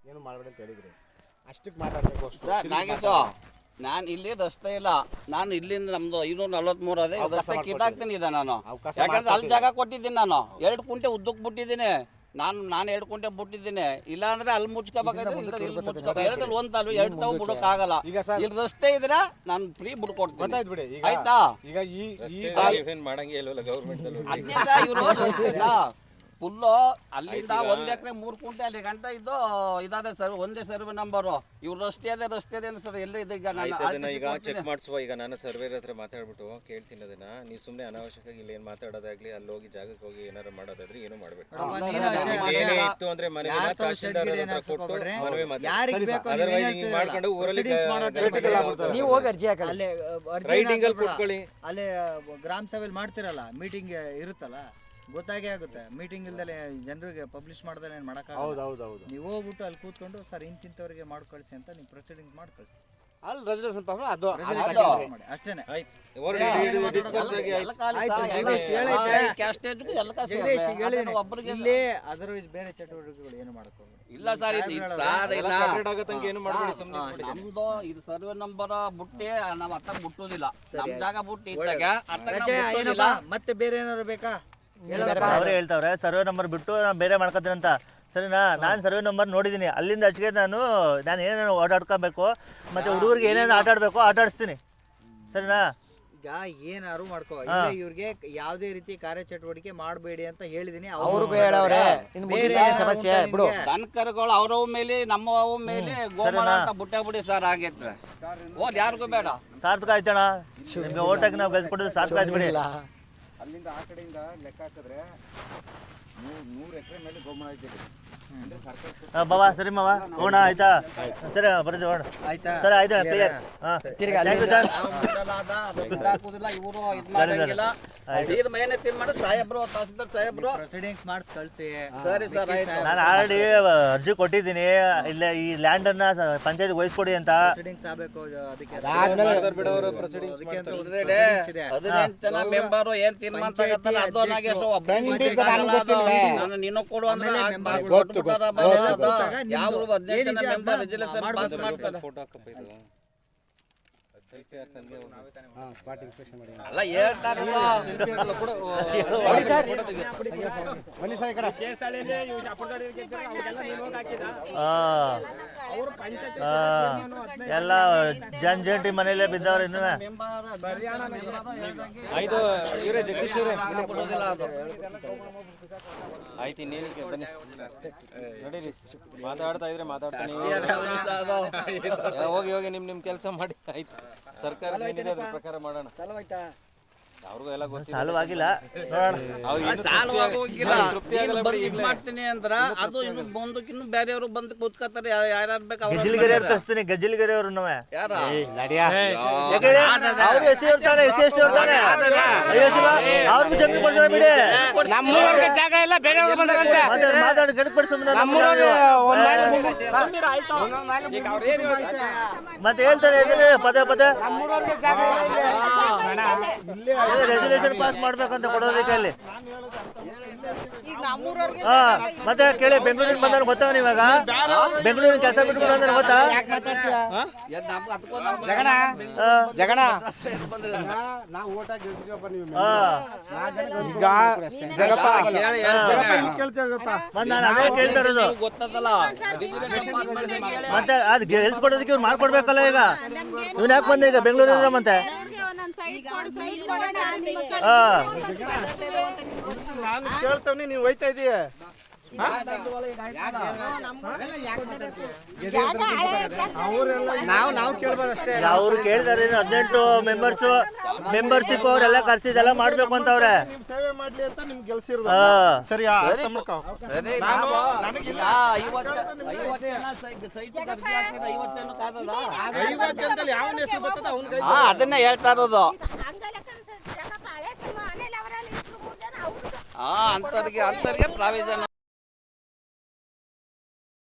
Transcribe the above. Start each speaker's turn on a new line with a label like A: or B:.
A: ಏನು ಮಾಡಬೇಡಿ ಅಂತ ಹೇಳಿದ್ರಿ, ಅಷ್ಟಕ್ಕೆ ಮಾತಾಡಬೇಕು
B: ಸರ್. ನಾಗೇಶು, ನಾನು ಇಲ್ಲಿ ರಸ್ತೆ ಇಲ್ಲ, ನಾನು ಇಲ್ಲಿಂದ ನಮ್ದು 543 ಅದೇ ರಸ್ತೆ ಕಿತ್ತಾಕ್ತೀನಿ ಇದೆ ನಾನು. ಯಾಕಂದ್ರೆ ಅಲ್ಲಿ ಜಾಗ ಕೊಟ್ಟಿದ್ದೀನಿ, ನಾನು 2 ಕುಂಟೆ ಉದ್ದಕ್ಕೆ ಬಿಟ್ಟಿದ್ದೀನಿ. ನಾನು 2 ಕುಂಟೆ ಬಿಟ್ಟಿದ್ದೀನಿ. ಇಲ್ಲ ಅಂದ್ರೆ ಅಲ್ಲಿ ಮುಚ್ಕೋಬೇಕಾದ್ರೆ ಇಲ್ಲಿ ಮುಚ್ಕೋಬೇಕು. 2 ಒಂದಲ್ವ 2 ತಾವು ಬಿಡೋಕ್ಕಾಗಲ್ಲ. ಇಲ್ಲಿ ರಸ್ತೆ ಇದ್ರೆ ನಾನು ಫ್ರೀ ಬಿಡ್ಕೊಡ್ತೀನಿ, ಆಯ್ತಾ?
A: ಈಗ
B: ಅದನ್ನೇ ಸರ್ ಇವರು ರಸ್ತೆ ಸರ್ ಫುಲ್ಲು ಅಲ್ಲಿಂದ 1 ಎಕರೆ 3 ಕುಂಟೆ ಅಲ್ಲಿ ಗಂಟ ಇದ್ದು ಇದಾದೆ ಸರ್, ಒಂದೇ ಸರ್ವೆ ನಂಬರು. ಇವ್ರು ರಸ್ತೆ ಅದೇ ಸರ್, ಎಲ್ಲ ಇದೆ.
C: ಈಗ ಚೆಕ್ ಮಾಡಿಸುವ. ಈಗ ನಾನು ಸರ್ವೇರ್ ಹತ್ರ ಮಾತಾಡ್ಬಿಟ್ಟು ಕೇಳ್ತೀನಿ ಅದನ್ನ. ನೀವು ಸುಮ್ಮನೆ ಅನಾವಶ್ಯಕವಾಗಿ ಇಲ್ಲಿ ಏನು ಮಾತಾಡೋದಾಗ್ಲಿ, ಅಲ್ಲಿ ಹೋಗಿ ಜಾಗಕ್ಕೆ ಹೋಗಿ ಏನಾರು ಮಾಡೋದಾದ್ರೆ ಏನು ಮಾಡಬೇಕು. ಏನೇ ಇತ್ತು ಅಂದ್ರೆ ಮನೆ ತಹಶೀಲ್ದಾರ್ ಹತ್ರ ಕೊಟ್ಟು ಮನವಿ ಮಾತಾಡಿ ಮಾಡ್ಕೊಂಡು ಊರಲ್ಲಿ
D: ನೀವು ಹೋಗಿ ಅರ್ಜಿ ಹಾಕಿ ಅಲ್ಲೇ
C: ರೈಟಿಂಗ್ ಅಲ್ಲಿ ಕೊಟ್ಕೊಳ್ಳಿ.
D: ಅಲ್ಲೇ ಗ್ರಾಮ ಸಭೆಯಲ್ಲಿ ಮಾಡ್ತಿರಲ್ಲ, ಮೀಟಿಂಗ್ ಇರುತ್ತಲ್ಲ, ಗೊತ್ತಾಗೇ ಆಗುತ್ತೆ. ಮೀಟಿಂಗ್ ಇಲ್ದಲೆ ಜನರಿಗೆ ಪಬ್ಲಿಷ್ ಮಾಡ್ದಲೆ ಏನು ಮಾಡೋಕ್ಕಾಗಲ್ಲ. ನೀವು ಹೋಗ್ಬಿಟ್ಟು ಅಲ್ಲಿ ಕೂತ್ಕೊಂಡು ಸರ್ ಇಂತಿಂಥವ್ರಿಗೆ ಮಾಡಿ ಕಳಿಸಿ ಅಂತ ನೀವು ಪ್ರೊಸೀಡಿಂಗ್ ಮಾಡಿ ಕಳಿಸಿ.
A: ಅಲ್ಲಿ ರೆಸಲ್ಯೂಷನ್ ಅದು
D: ಮಾಡಿ ಅಷ್ಟೇನೆ. ಇಲ್ಲಿ ಅದರ್ವೈಸ್ ಬೇರೆ ಚಟುವಟಿಕೆಗಳು ಏನು ಮಾಡಕ್ಕೆ
B: ಇಲ್ಲ ಸರ್.
C: ನಮ್ದು
B: ಇದು ಸರ್ವೆ ನಂಬರ್ ಬುಟ್ಟಿ ನಾವ್ ಅತ್ತ ಮುಟ್ಟುದಿಲ್ಲ, ನಮ್ ಜಾಗ ಬುಟ್ಟಿ ಇದ್ದಾಗ
D: ಮತ್ತೆ ಬೇರೆ ಏನಾದ್ರು ಬೇಕಾ?
E: ಅವರೇ ಹೇಳ್ತಾವ್ರೆ ಸರ್ವೆ ನಂಬರ್ ಬಿಟ್ಟು ನಾನು ಬೇರೆ ಮಾಡ್ಕೊತೀನಿ ಅಂತ. ಸರಿನಾ? ನಾನು ಸರ್ವೆ ನಂಬರ್ ನೋಡಿದ್ದೀನಿ. ಅಲ್ಲಿಂದ ಹಚ್ಚಿಗೆ ನಾನು ಏನೇನು ಓಡಾಡ್ಕೊಬೇಕು ಮತ್ತು ಹುಡುಗರಿಗೆ ಏನೇನು ಆಟ ಆಡಬೇಕು ಆಟ ಆಡಿಸ್ತೀನಿ. ಸರಿನಾ?
D: ಈಗ ಏನಾರು ಮಾಡ್ಕೋ, ಇವ್ರಿಗೆ ಯಾವುದೇ ರೀತಿ ಕಾರ್ಯಚಟುವಟಿಕೆ ಮಾಡಬೇಡಿ ಅಂತ ಹೇಳಿದೀನಿ.
B: ದನಕರುಗಳು ಅವ್ರವ್ ಮೇಲೆ ನಮ್ಮವ್ ಮೇಲೆ ಗೋಮಾಳ ಅಂತ ಬುಟ್ಟಿ ಸರ್ ಆಗೈತೆ. ಓದ್ ಯಾರಿಗೂ ಬೇಡ.
E: ಸಾರ್ಥಕ ಆಯ್ತಣ್ಣ, ನಿಮ್ಗೆ ಓಟಾಗಿ ನಾವು ಗೆಲ್ಸ್ಕೊಟ್ಟಿದ್ದು ಸಾರ್ಥಕ ಆಯ್ತು ಬಿಡಿ.
A: ಅಲ್ಲಿಂದ ಆ ಕಡೆಯಿಂದ ಲೆಕ್ಕ ಹಾಕಿದ್ರೆ 100 ಎಕರೆ ಮೇಲೆ ಗೋಮಾಳ ಇದ್ದೀವಿ.
E: ಬಾಬಾ ಸರಿ ಮಾವ ಹೋಗೋಣ, ಆಯ್ತಾ? ಸರಿ ಬರ್ತೀವಿ ಹೋಗೋಣ. ಸರಿ ಆಯ್ತಾ? ಕ್ಲಿಯರ್. Thank you sir. ನಾನು ಆಲ್ರೆಡಿ ಅರ್ಜಿ ಕೊಟ್ಟಿದ್ದೀನಿ. ಇಲ್ಲ ಈ ಲ್ಯಾಂಡ್ ಅನ್ನ ಪಂಚಾಯತ್ ವಹಿಸ್ಕೊಡಿ ಅಂತ.
B: 18 ಜನ ಮೆಂಬರು ಏನ್ ತೀರ್ಮಾನ ತಗತ್ತಾರ ಅದು ನಾನು ನೀನು ಕೊಡು ಅಂದ್ರೆ ಯಾವ 18 ಜನ ಮೆಂಬರ್ ರೆಜಲ್ಯೂಷನ್ ಪಾಸ್ ಮಾಡ್ತಾರೆ. ಅಲ್ಲ ಹೇಳ್ತಾರೆ
E: ಎಲ್ಲ ಜಂಟಿ ಮನೇಲೆ ಬಿದ್ದವ್ರ. ಇನ್ನು
C: ಆಯ್ತು ಇವರೇ ಜಗದೀಶ್ ಅವರೇ ಆಯ್ತು. ಇನ್ನೇನಕ್ಕೆ ಬನ್ನಿ ನಡೀರಿ. ಮಾತಾಡ್ತಾ ಇದ್ರೆ ಮಾತಾಡ್ತಾನೆ ಹೋಗಿ ಹೋಗಿ ನಿಮ್ ಕೆಲಸ ಮಾಡಿ. ಆಯ್ತು, ಸರ್ಕಾರ ಏನಿದೆ ಅದ್ರ ಪ್ರಕಾರ ಮಾಡೋಣ. ಅವ್ರಿಗೂ ಎಲ್ಲ
E: ಸಾಲವಾಗಿಲ್ಲ
B: ಮಾಡ್ತೀನಿ ಅಂದ್ರ ಅದು ಇನ್ನು ಬಂದಕ್ಕೆ ಇನ್ನು ಬೇರೆಯವರು ಬಂದು ಕೂತ್ಕೊತಾರೆ. ಯಾರ್ಯಾರು ಬೇಕು
E: ಗಜ್ಜಿಲ್ಗೆರೆ ಅವ್ರು ಕಳಿಸ್ತೀನಿ. ಗಜ್ಜಿಲ್ಗೆರೆ ಅವ್ರು
B: ಯಾರ
E: ಅವ್ರಿಗೂ ಜಮೀನು ಕೊಡ್ತಾರೆ ಬಿಡಿ.
A: ನಮ್ಮೂರಿಗೆ ಜಾಗ ಇಲ್ಲ, ಬೇರೆಯವರು ಬಂದ್ರಂತೆ.
E: ಮಾತಾಡಿ ಗಡಿಪಡಿಸ ಮತ್ತೆ ಹೇಳ್ತಾರೆ ಪದೇ ಪದೇ ರೆಸಲ್ಯೂಷನ್ ಪಾಸ್ ಮಾಡ್ಬೇಕಂತ ಕೊಡೋದಕ್ಕೆ ಅಲ್ಲಿ. ಮತ್ತೆ ಕೇಳಿ, ಬೆಂಗಳೂರಿನ ಬಂದ ಗೊತ್ತಾ? ಇವಾಗ ಬೆಂಗಳೂರಿನ ಕೆಲಸ ಬಿಟ್ಕೊಂಡು ಅಂದ್ರೆ ಗೊತ್ತಾ?
A: ಜಗಣ ನಾವು ಓಟ್ ಹಾಕಿ
E: ನಾನು ಅದೇ ಕೇಳ್ತಾ ಇರೋದು. ಮತ್ತೆ ಅದು ಗೆಲ್ಸ್ಕೊಡೋದಕ್ಕೆ ಇವ್ರು ಮಾಡ್ಕೊಡ್ಬೇಕಲ್ಲ. ಈಗ ಇವ್ನು ಯಾಕೆ ಬಂದ ಈಗ ಬೆಂಗಳೂರಿಂದ? ಮತ್ತೆ
A: ನಾನು ಕೇಳ್ತವ್ನಿ, ನೀವು ಹೋಯ್ತಾ ಇದೀಯ. ನಾವು ಕೇಳ್ಬೋದಷ್ಟೇ.
E: ಅವ್ರು ಕೇಳಿದಾರೆ 18 ಮೆಂಬರ್ಶಿಪ್ ಅವರೆಲ್ಲ ಕರ್ಸಿದೆಲ್ಲ ಮಾಡ್ಬೇಕು ಅಂತ ಅವ್ರೆ.
A: ಸೇವೆ ಮಾಡ್ಲಿ ಅಂತ ನಿಮ್ಗೆ ಗೆಲ್ಸಿರೋದು. ಸರಿ
B: ಅದನ್ನ ಹೇಳ್ತಾ ಇರೋದು. ಅಂತರ್ಗೆ ಪ್ರಾವಿಷನ್